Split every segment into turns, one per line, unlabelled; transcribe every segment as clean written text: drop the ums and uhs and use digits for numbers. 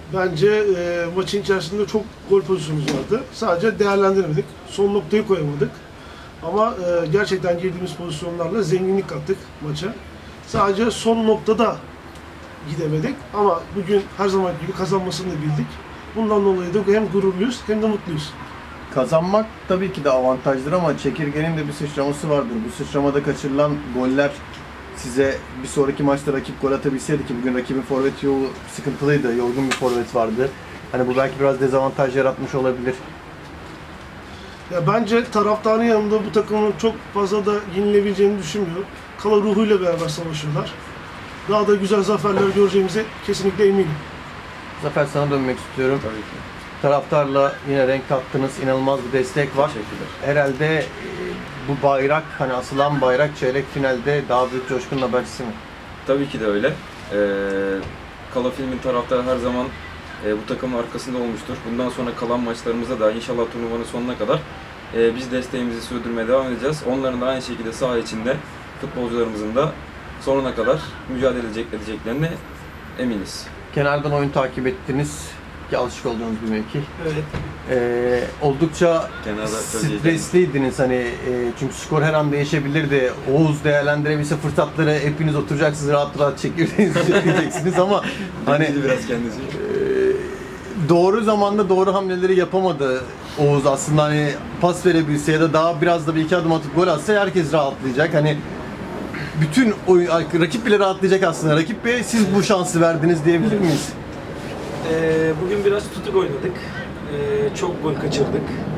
Bence maçın içerisinde çok gol pozisyonumuz vardı. Sadece değerlendiremedik. Son noktayı koyamadık. Ama gerçekten girdiğimiz pozisyonlarla zenginlik kattık maça. Sadece son noktada gidemedik. Ama bugün her zaman gibi kazanmasını da bildik. Bundan dolayı da hem gururluyuz hem de mutluyuz.
Kazanmak tabii ki de avantajdır ama çekirgenin de bir sıçraması vardır. Bu sıçramada kaçırılan goller size bir sonraki maçta rakip gol atabilseydi ki bugün rakibin forvet yolu sıkıntılıydı, yorgun bir forvet vardı. Hani bu belki biraz dezavantaj yaratmış olabilir.
Ya bence taraftarın yanında bu takımın çok fazla da yenilebileceğini düşünmüyorum. Kala ruhuyla beraber savaşıyorlar. Daha da güzel zaferler göreceğimize kesinlikle eminim.
Zafer, sana dönmek istiyorum.
Tabii ki.
Taraftarla yine renk kattınız, inanılmaz bir destek var.
Teşekkürler.
Herhalde bu bayrak, hani asılan bayrak çeyrek finalde daha büyük coşkunun habercisi mi?
Tabii ki de öyle. Kala Film'in taraftarı her zaman bu takımın arkasında olmuştur. Bundan sonra kalan maçlarımızda da inşallah turnuvanın sonuna kadar biz desteğimizi sürdürmeye devam edeceğiz. Onların da aynı şekilde saha içinde futbolcularımızın da sonuna kadar mücadele edeceklerine eminiz.
Kenardan oyun takip ettiniz ki alışık olduğunuz bir mevki.
Evet.
Oldukça
Kenarda
stresliydiniz hani çünkü skor her an değişebilirdi. Oğuz değerlendirebilse fırsatları hepiniz oturacaksınız, rahat rahat çekeceksiniz ama hani
biraz kendisi.
doğru zamanda doğru hamleleri yapamadı Oğuz aslında, hani pas verebilse ya da daha biraz da bir iki adım atıp gol atsa herkes rahatlayacak. Hani bütün oyun, rakip bile rahatlayacak aslında. Rakip Bey, siz bu şansı verdiniz diyebilir miyiz?
Bugün biraz tutuk oynadık. Çok gol kaçırdık.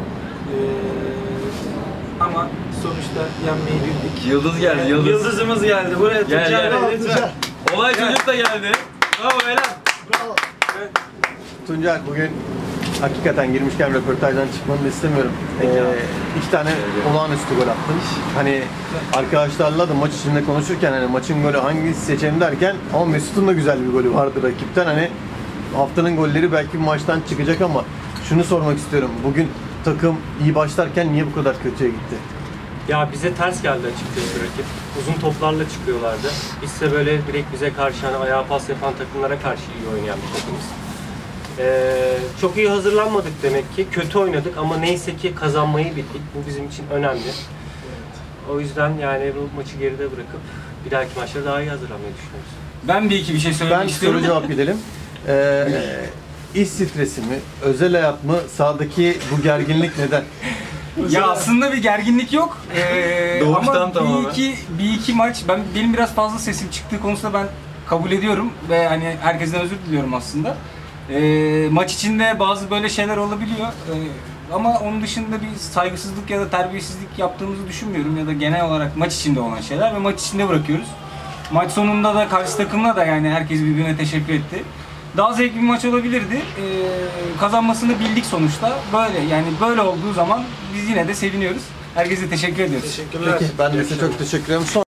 Ama sonuçta yenmeyi bildik.
Yıldız geldi, yıldız.
Yıldızımız geldi. Buraya Tuncay Bey lütfen.
Olay çocuk da geldi. Bravo helal.
Bravo.
Tuncay, bugün hakikaten girmişken röportajdan çıkmanı da istemiyorum. İki tane olağanüstü gol attın. Hani arkadaşlarla da maç içinde konuşurken hani maçın golü hangisi seçelim derken ama Mesut'un da güzel bir golü vardı rakipten. Hani haftanın golleri belki bir maçtan çıkacak ama şunu sormak istiyorum. Bugün takım iyi başlarken niye bu kadar kötüye gitti?
Ya bize ters geldi açıkçası rakip. Uzun toplarla çıkıyorlardı. Biz ise böyle direkt bize karşı hani ayağa pas yapan takımlara karşı iyi oynayan bir takımız. Çok iyi hazırlanmadık demek ki. Kötü oynadık ama neyse ki kazanmayı bildik. Bu bizim için önemli. O yüzden yani bu maçı geride bırakıp bir dahaki maçlara daha iyi hazırlanmayı düşünüyoruz.
Ben bir şey söylemek
Ben
istiyorum.
soru cevap gidelim. İş stresi mi, özel hayat mı, sahadaki bu gerginlik neden?
Ya aslında bir gerginlik yok.
Doğuştan
ama
tamamen.
bir iki maç benim biraz fazla sesim çıktığı konusunda ben kabul ediyorum ve hani herkesten özür diliyorum aslında. Maç içinde bazı böyle şeyler olabiliyor. Ama onun dışında bir saygısızlık ya da terbiyesizlik yaptığımızı düşünmüyorum ya da genel olarak maç içinde olan şeyler ve maç içinde bırakıyoruz. Maç sonunda da karşı takımla da yani herkes birbirine teşekkür etti. Daha zevkli bir maç olabilirdi. Kazanmasını bildik sonuçta. Böyle yani böyle olduğu zaman biz yine de seviniyoruz. Herkese teşekkür ediyoruz.
Teşekkürler.
Peki, ben de size çok teşekkür ederim.